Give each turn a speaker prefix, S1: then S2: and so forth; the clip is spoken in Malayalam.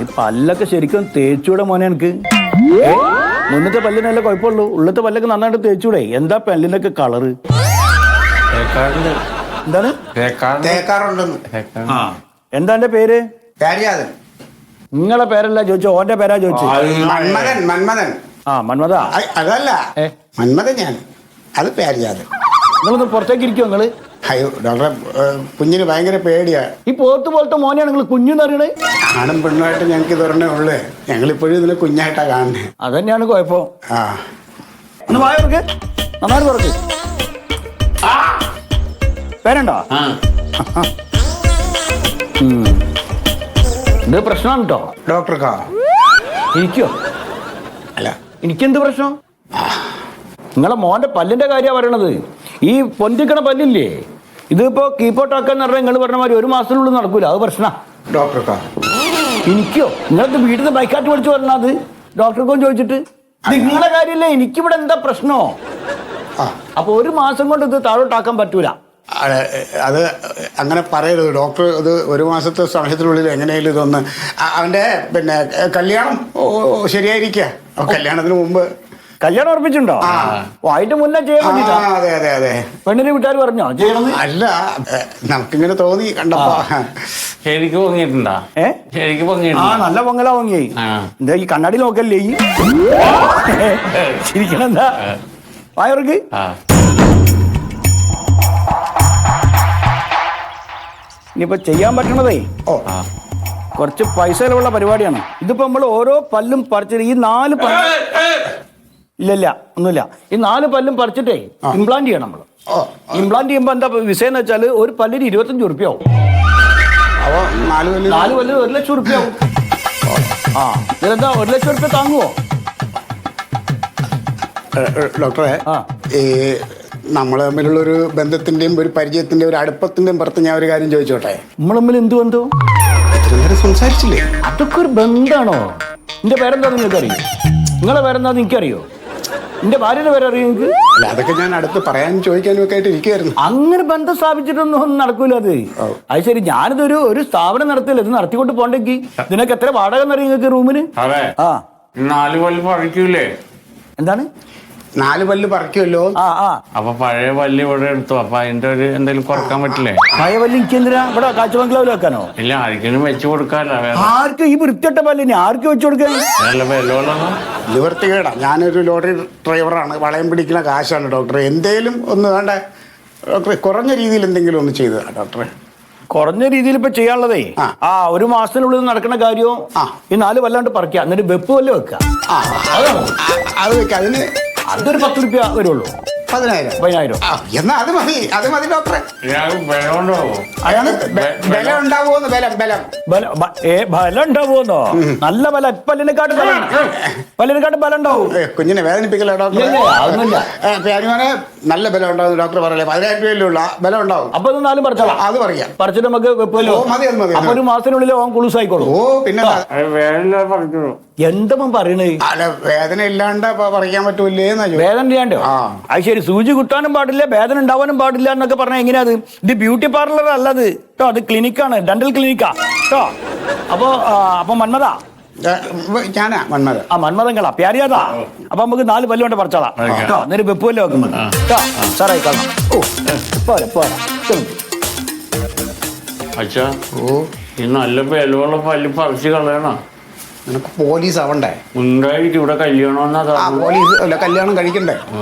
S1: ഈ പല്ലൊക്കെ ശരിക്കും തേച്ചൂടെ മോനെ എനിക്ക്. മുന്നത്തെ പല്ലിനല്ല കുഴപ്പമുള്ളൂ, ഉള്ളത്തെ പല്ലൊക്കെ നന്നായിട്ട് തേച്ചൂടെ. എന്താ പല്ലിനൊക്കെ കളറ്? എന്താണ്? എന്താ എന്റെ പേര്? നിങ്ങളെ പേരല്ല ചോദിച്ചോ, ഓന്റെ പേരാ ചോദിച്ചു. ആ മന്മത
S2: അതല്ല, മന്മഥൻ ഞാൻ. അത് പേരിയാതെ.
S1: നിങ്ങളൊന്ന് പുറത്തേക്ക് ഇരിക്കുമോ നിങ്ങള്?
S2: അയ്യോ ഡോക്ടറെ, കുഞ്ഞിന് ഭയങ്കര പേടിയാ.
S1: ഈ പോത്ത് പോലത്തെ മോനെയാണ് നിങ്ങൾ കുഞ്ഞെന്ന് അറിയണേ.
S2: ആണും പെണ്ണുമായിട്ട് ഞങ്ങൾക്ക് ഇതൊരെണ്ണേ ഉള്ളു. ഞങ്ങളിപ്പോഴും ഇതിനെ കുഞ്ഞായിട്ടാ കാണുന്നത്.
S1: അതന്നെയാണ് കുഴപ്പം.
S2: ആ
S1: ഒന്ന് വായർക്ക് നന്നായിട്ട് തുറക്ക്. പേരുണ്ടോ? ഇത് പ്രശ്നമാണ് കേട്ടോ
S2: ഡോക്ടർക്കാ.
S1: ഇരിക്കോ?
S2: അല്ല
S1: എനിക്കെന്ത് പ്രശ്നം? നിങ്ങളെ മോന്റെ പല്ലിന്റെ കാര്യമാണ് പറയണത്. ഈ പൊന്തിക്കണ പല്ലില്ലേ, ഇതിപ്പോ കീപ്പോട്ടാക്കാന്ന് പറഞ്ഞാൽ നിങ്ങൾ പറഞ്ഞ മാതിരി 1 മാസത്തിനുള്ളിൽ നടക്കൂല. അത് പ്രശ്ന
S2: ഡോക്ടർക്കാ.
S1: എനിക്കോ? നിങ്ങളത് വീട്ടിൽ നിന്ന് ബൈക്കാറ്റ് പഠിച്ചു പറഞ്ഞാൽ അത് ഡോക്ടർക്കോ ചോദിച്ചിട്ട് നിങ്ങളുടെ കാര്യമില്ലേ. എനിക്കിവിടെ എന്താ പ്രശ്നോ? അപ്പൊ 1 മാസം കൊണ്ട് ഇത് താഴോട്ടാക്കാൻ പറ്റൂല.
S2: അത് അങ്ങനെ പറയരുത് ഡോക്ടർ. ഇത് 1 മാസത്തെ സമയത്തിനുള്ളിൽ എങ്ങനെയാലും ഇതൊന്ന് അവന്റെ പിന്നെ കല്യാണം ശരിയായിരിക്കുക. കല്യാണത്തിന് മുമ്പ്
S1: കല്യാണം ഉറപ്പിച്ചിട്ടുണ്ടോ? അതിന്റെ മുന്നേ ചെയ്യാൻ വേണ്ടിട്ടാ?
S2: അതെ അതെ അതെ.
S1: പെണ്ണിന് വീട്ടുകാർ പറഞ്ഞോ ചെയ്യണം?
S2: അല്ല, നമുക്കിങ്ങനെ തോന്നി കണ്ടപ്പോ.
S3: ശരിക്കും പൊങ്ങിയിട്ടുണ്ടാ? ശരിക്കും
S1: ആ നല്ല പൊങ്ങലാ പൊങ്ങി. എന്താ ഈ കണ്ണാടി നോക്കല്ലേ ഈ ശരിക്കണം? എന്താ വായർക്ക്? ഇനിയിപ്പോ ചെയ്യാൻ പറ്റണതേ കുറച്ച് പൈസ ചെലവുള്ള പരിപാടിയാണ്. ഇതിപ്പോ നമ്മൾ ഓരോ പല്ലും പറിച്ചിട്ട് ഈ 4 പല്ല് ഇല്ല ഒന്നുമില്ല, ഈ 4 പല്ലും പറിച്ചിട്ടേ ഇംപ്ലാന്റ് ചെയ്യണം നമ്മൾ. ഇംപ്ലാന്റ് ചെയ്യുമ്പോ എന്താ വിഷയം വെച്ചാൽ ഒരു പല്ലിന് 25 ഉറുപ്പ്യാവും. 4 പല്ലിന് 1 ലക്ഷം ഉറുപ്പ്യാവും. ഇതെന്താ 1 ലക്ഷം ഉറുപ്പ്യ താങ്ങുവോ?
S2: ഡോക്ടറെ, ഈ നമ്മൾ തമ്മിലുള്ള ഒരു ബന്ധത്തിന്റെയും ഒരു പരിചയത്തിന്റെയും ഒരു അടുപ്പത്തിന്റെയും പുറത്ത് ഞാൻ ഒരു കാര്യം ചോദിച്ചോട്ടെ.
S1: നമ്മൾ തമ്മിൽ എന്ത് ബന്ധവും?
S2: സംസാരിച്ചില്ലേ?
S1: അതൊക്കെ ഒരു ബന്ധാണോ? എന്റെ പേരെന്താന്ന് നിങ്ങൾക്ക് അറിയോ? നിങ്ങളെ പേരെന്താന്ന് എനിക്കറിയോ? എന്റെ ഭാര്യയുടെ പേരറിയോ നിങ്ങൾക്ക്?
S2: അല്ല, അതൊക്കെ ഞാൻ അടുത്ത് പറയാനും ചോദിക്കാനും ഒക്കെ ആയിട്ട് ഇരിക്കുവായിരുന്നു.
S1: അങ്ങനെ ബന്ധം സ്ഥാപിച്ചിട്ടൊന്നും നടക്കൂല അത്. അത് ശരി, ഞാനിതൊരു സ്ഥാപനം നടത്തില്ല, ഇത് നടത്തിക്കൊണ്ട് പോണ്ടെങ്കിൽ ഇതിനൊക്കെ എത്ര വാടക എന്നറിയോ നിങ്ങൾക്ക് റൂമിന്?
S3: 4 പല്ല് പറിക്കൂലേ?
S1: എന്താണ്
S2: 4 പല്ല് പറിക്കുമല്ലോ.
S3: അപ്പൊ പഴയ പല്ല് ഇവിടെ എടുത്തു. അപ്പൊ അതിന്റെ ഒരു എന്തെങ്കിലും കുറക്കാൻ പറ്റില്ലേ?
S1: പഴയ പല്ല് എനിക്ക് എന്തിനാ ഇവിടെ കാഴ്ചബംഗ്ലാവിൽ വെക്കാനോ?
S3: ഇല്ല, ആർക്കെങ്കിലും വെച്ച് കൊടുക്കാല്ലോ.
S1: ആർക്കും ഈ വൃത്തിയിട്ട പല്ലിനെ ആർക്കും വെച്ച് കൊടുക്കാൻ?
S2: നിവർത്തികേടാ. ഞാനൊരു ലോറി ഡ്രൈവറാണ്. വളയം പിടിക്കുന്ന കാശാണ് ഡോക്ടറെ. എന്തേലും ഒന്ന് വേണ്ട ഡോക്ടറെ, കുറഞ്ഞ രീതിയിൽ എന്തെങ്കിലും ഒന്ന് ചെയ്തതാ ഡോക്ടറെ.
S1: കുറഞ്ഞ രീതിയിൽ ഇപ്പൊ ചെയ്യാനുള്ളതേ 1 മാസത്തിനുള്ളിൽ നടക്കുന്ന കാര്യവും ഈ 4 പല്ലാണ്ട് പറിക്കുക, എന്നിട്ട് വെപ്പ് പല്ല് വെക്കുക.
S2: അത് വെക്കുക. അതിന്
S1: അതൊരു 10 ഉറുപ്പ്യ വരുള്ളൂ.
S2: 10,000 എന്നാ അത് മതി. അത് മതി ഡോക്ടറെ. ബലം ഉണ്ടാവുമോന്ന്?
S1: ബലം ഉണ്ടാവുമോന്നോ? നല്ല ബലം. പല്ലിനെക്കാട്ടും ബലം ഉണ്ടാവും.
S2: കുഞ്ഞിനെ വേദനിപ്പിക്കല ഡോക്ടറെ. നല്ല ബലം ഉണ്ടാവും ഡോക്ടർ പറയല്ലേ. 10,000 രൂപയിലുള്ള ബലം ഉണ്ടാവും.
S1: അപ്പൊ ഇത് 4 പറിച്ചോളാം.
S2: അത് പറയാം.
S1: പറിച്ചിട്ട് നമുക്ക് വെപ്പല്ലോ. അപ്പൊ 1 മാസത്തിനുള്ളിൽ ഓൻ കുളൂസ് ആയിക്കോളൂ.
S2: പിന്നെ
S1: എന്താ പറയണേ?
S2: അല്ല, വേദന ഇല്ലാണ്ട് പറിക്കാൻ പറ്റൂലേ?
S1: വേദന ഇല്ലാണ്ടോ? അത് ശരി. സൂചി കുത്താനും പാടില്ല, വേദന ഉണ്ടാവാനും പാടില്ല എന്നൊക്കെ പറഞ്ഞാൽ എങ്ങനെയാ അത്? ഇത് ബ്യൂട്ടി പാർലർ അല്ലത് കേട്ടോ, അത് ക്ലിനിക്കാണ്, ഡെന്റൽ ക്ലിനിക്കാ കേട്ടോ. അപ്പൊ മന്മത
S2: ഞാനാ മന്മത.
S1: മന്മതങ്ങളാ പ്യാരിയാതാ. അപ്പൊ നമുക്ക് 4 പല്ല് കൊണ്ട് പറിച്ചോളാം കേട്ടോ. എന്നിട്ട് വെപ്പ് പല്ല് വെക്കുന്നത് കേട്ടോ. സാറായി കാണാം. പോരാ പോരാ.
S3: അച്ഛാ, ഈ നല്ല ബലമുള്ള പല്ല് പറിച്ച് കളയണോ?
S2: നിനക്ക് പോലീസ് ആവണ്ടേ?
S3: ഉണ്ടായിരിക്കും ഇവിടെ കല്യാണം.
S2: പോലീസ് അല്ല, കല്യാണം കഴിക്കണ്ടേ?